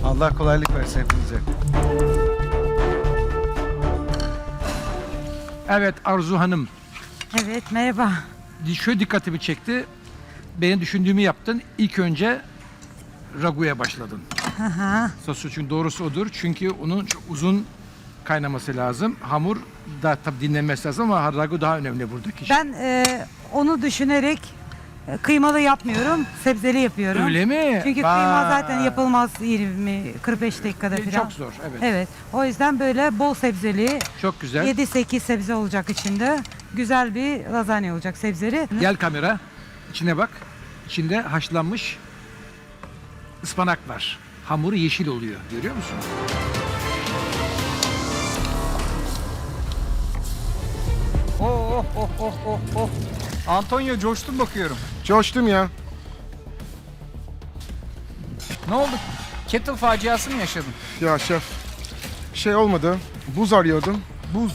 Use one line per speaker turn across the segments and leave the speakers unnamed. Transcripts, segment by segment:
Allah kolaylık versin hepinize.
Evet Arzu Hanım,
Evet, merhaba.
şöyle dikkatimi çekti. Benim düşündüğümü yaptın. İlk önce raguya başladın.
Aha.
Sosu çünkü doğrusu odur. Çünkü onun çok uzun kaynaması lazım. Hamur da tabii dinlenmesi lazım ama ragu daha önemli buradaki.
Ben onu düşünerek kıymalı yapmıyorum, sebzeli yapıyorum.
Öyle mi?
Çünkü kıyma zaten yapılmaz 20-45 dakikada falan.
Çok zor, evet.
Evet, o yüzden böyle bol sebzeli,
Çok güzel.
7-8 sebze olacak içinde. Güzel bir lazanya olacak sebzeli.
Gel kamera, içine bak. İçinde haşlanmış ıspanak var. Hamuru yeşil oluyor, görüyor musun?
Oh oh oh oh oh oh. Antonio coştun bakıyorum.
Coştum ya.
Ne oldu? Kettle faciası mı yaşadın?
Ya şef, şey olmadı. Buz arıyordum.
Buz.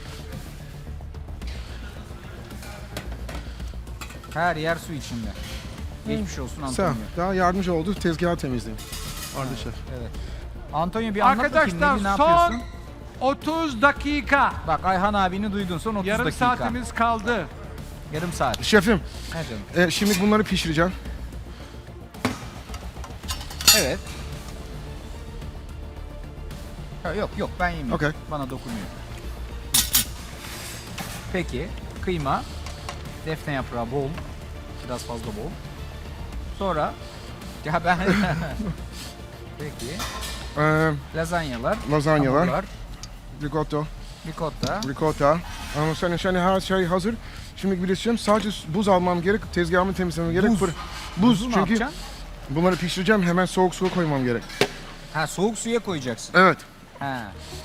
Her yer su içinde. Geçmiş olsun
Sağ ol.
Antonio.
Daha yardımcı oldu. Tezgahı temizledim. Vardı şef.
Evet. Antonio bir anlat bakayım
Arkadaşlar
ne
son
yapıyorsun?
30 dakika.
Bak Ayhan abini duydun son 30
Yarım
dakika.
saatimiz kaldı.
Yarım saat.
Şefim,
Ne canım?
şimdi bunları pişireceğim.
Evet. Ha, yok yok ben yemiyorum.
Okey.
Bana dokunmuyor. Peki kıyma, defne yaprağı bol, biraz fazla bol. Sonra ya ben peki
Ee,
lazanyalar,
Lazanyalar.
hamurlar,
ricotta,
ricotta.
Ama senin her şey hazır. Şimdi gideceğim. Sadece buz almam gerek. Tezgahımı temizlemem gerek.
Buz.
Buz
Buzu ne
çünkü
yapacaksın?
bunları pişireceğim. Hemen soğuk suya koymam gerek.
Ha soğuk suya koyacaksın.
Evet.
Ha.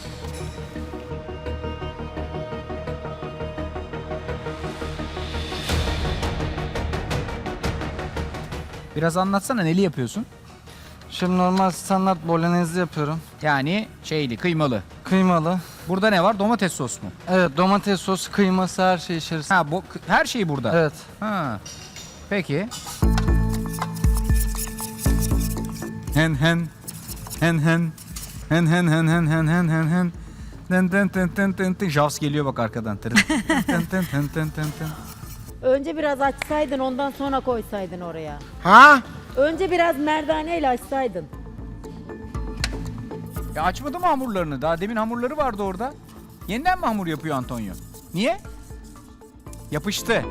Biraz anlatsana neli yapıyorsun?
Şimdi normal standart bolognese yapıyorum.
Yani şeyli, kıymalı.
Kıymalı.
Burada ne var? Domates sos mu?
Evet, domates sosu, kıyması her şey içerisinde.
Ha, her şey burada.
Evet.
Ha. Peki. Hen hen. Hen hen. Hen hen hen hen hen hen hen hen. Ten ten ten ten ten ten. Jaws geliyor bak arkadan. Ten ten ten ten ten ten ten.
Önce biraz açsaydın ondan sonra koysaydın oraya.
Ha?
Önce biraz merdaneyle açsaydın.
Ya açmadı mı hamurlarını? Daha demin hamurları vardı orada. Yeniden mi hamur yapıyor Antonio? Niye? Yapıştı.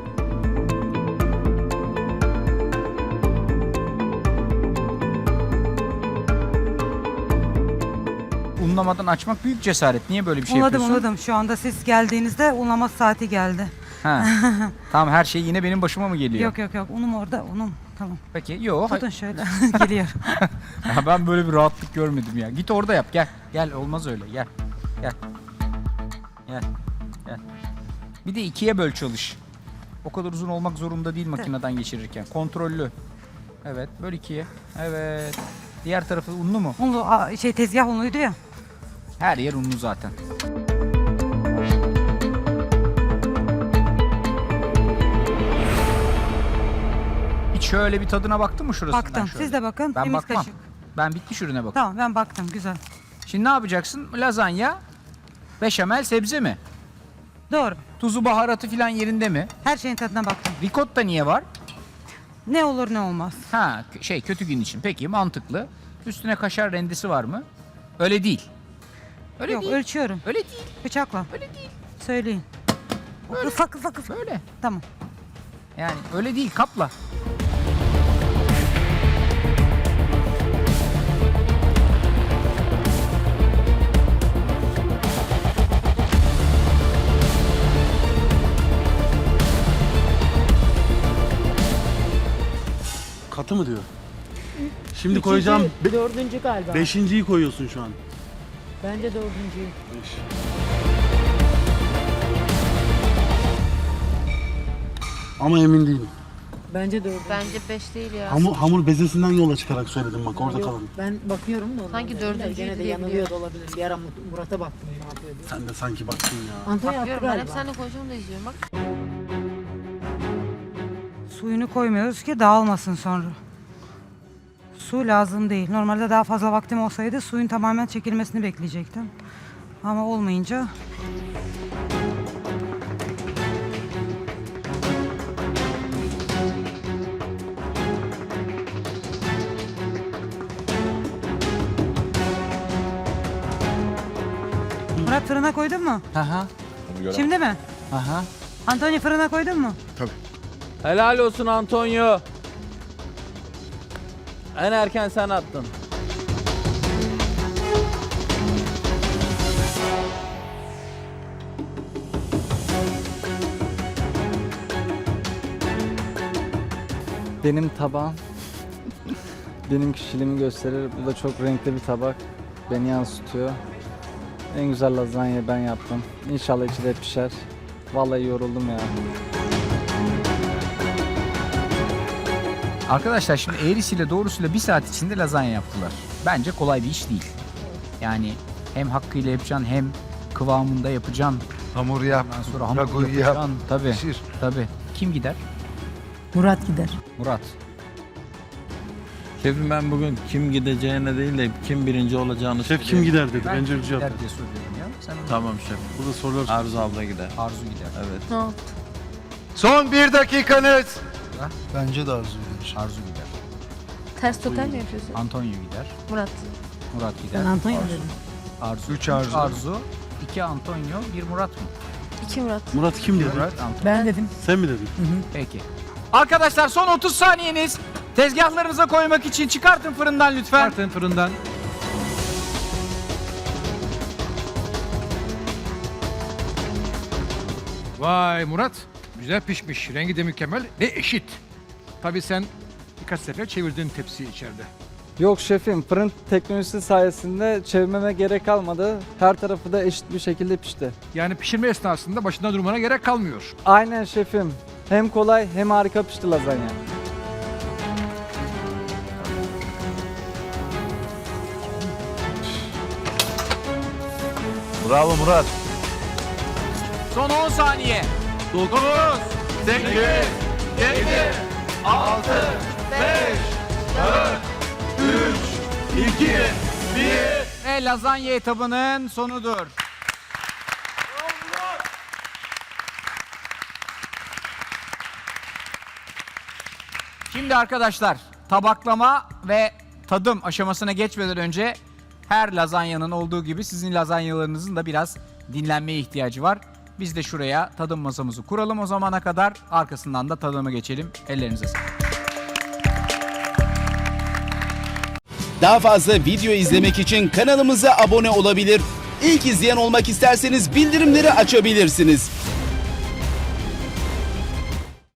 Unlamadan açmak büyük cesaret. Niye böyle bir şey
Unladım,
yapıyorsun?
unladım. Şu anda siz geldiğinizde unlama saati geldi.
Ha. Tamam her şey yine benim başıma mı geliyor?
Yok yok yok, unum orada, unum. Tamam.
Peki yok.
Tutun şöyle, geliyor.
Ya ben böyle bir rahatlık görmedim ya. Git orada yap gel. Gel olmaz öyle gel. Gel. Gel. Gel. Bir de ikiye böl çalış. O kadar uzun olmak zorunda değil makineden geçirirken. Kontrollü. Evet böl ikiye. Evet. Diğer tarafı unlu mu?
Unlu, tezgah unluydu ya.
Her yer unlu zaten. Hiç şöyle bir tadına baktın mı şurasından
Baktım,
şöyle?
siz de bakın.
Ben
Temiz
bakmam.
kaşık.
Ben bitmiş ürüne bakıyorum.
Tamam, ben baktım, güzel.
Şimdi ne yapacaksın? Lazanya, beşamel, sebze mi?
Doğru.
Tuzu, baharatı filan yerinde mi?
Her şeyin tadına baktım.
Ricotta niye var?
Ne olur ne olmaz.
Ha, kötü gün için. Peki, mantıklı. Üstüne kaşar rendesi var mı? Öyle değil. Öyle
Yok,
değil.
ölçüyorum.
Öyle değil.
Bıçakla.
Öyle değil.
Söyleyin. Ufak ufak.
Böyle.
Tamam.
Yani öyle değil, kapla.
Katı mı diyor? Şimdi koyacağım.
Dördüncü galiba.
Beşinciyi koyuyorsun şu an.
Bence dördüncüyü.
Beş. Ama emin değilim.
Bence dördüncü.
Bence 5 değil ya.
Hamur bezesinden yola çıkarak söyledim bak orada
Yok,
kalın.
ben bakıyorum da.
Sanki
ondan
dördüncüydü
gene de
diye
yanılıyor da olabilir. Bir ara Murat'a baktım ne yapıyor diye.
Sen de sanki baktın ya.
Antonio attı
Bakıyorum ben hep
galiba.
seninle konuşuyorum da izliyorum bak.
Suyunu koymuyoruz ki dağılmasın sonra. Su lazım değil. Normalde daha fazla vaktim olsaydı suyun tamamen çekilmesini bekleyecektim. Ama olmayınca Murat fırına koydun mu?
Aha.
Şimdi mi?
Aha.
Antonio fırına koydun mu?
Helal olsun Antonio. En erken sen attın.
Benim tabağım benim kişiliğimi gösterir. Bu da çok renkli bir tabak. Beni yansıtıyor. En güzel lazanyayı ben yaptım. İnşallah içi de pişer. Vallahi yoruldum ya.
Arkadaşlar şimdi eğrisiyle doğrusuyla 1 saat içinde lazanya yaptılar. Bence kolay bir iş değil. Yani hem hakkıyla yapacaksın hem kıvamında yapacaksın.
Hamur yap.
Ondan sonra hamur
ragoyu yap.
yapacaksın. Tabii.
Pişir.
Tabii. Kim gider?
Murat gider.
Murat.
Şefim ben bugün kim gideceğine değil de kim birinci olacağını
Şef kim
söyleyeyim.
gider dedi.
Ben
Bence bir cevap
gider
ver.
diye soruyorum ya. Sen
Tamam şef.
Burada sorular
Arzu abla gider.
Arzu gider.
Evet.
Ne oldu?
Son 1 dakikanız.
Bence de Arzu gider.
Arzu gider.
Ters total mi yapıyorsun?
Antonio gider.
Murat.
Murat gider.
Ben Antonio
Arzu.
dedim.
Arzu.
3 Arzu.
Arzu. 2 Antonio. 1 Murat mı?
2 Murat.
Murat kim dedi?
Murat, Antonio.
Ben dedim.
Sen mi dedin?
Peki. Arkadaşlar son 30 saniyeniz. Tezgahlarınıza koymak için çıkartın fırından lütfen.
Çıkartın fırından. Vay Murat. Güzel pişmiş. Rengi de mükemmel ve eşit. Tabii sen birkaç sefer çevirdin tepsiyi içeride.
Yok şefim, fırın teknolojisi sayesinde çevirmeme gerek kalmadı. Her tarafı da eşit bir şekilde pişti.
Yani pişirme esnasında başında durmana gerek kalmıyor.
Aynen şefim. Hem kolay hem harika pişti lazanya.
Bravo Murat.
Son 10 saniye. 9, 8, 7, 6, 5, 4, 3, 2, 1. Ve lazanya etabının sonudur. Şimdi arkadaşlar tabaklama ve tadım aşamasına geçmeden önce her lazanyanın olduğu gibi sizin lazanyalarınızın da biraz dinlenmeye ihtiyacı var. Biz de şuraya tadım masamızı kuralım o zamana kadar. Arkasından da tadıma geçelim. Ellerinize sağlık.
Daha fazla video izlemek için kanalımıza abone olabilir. İlk izleyen olmak isterseniz bildirimleri açabilirsiniz.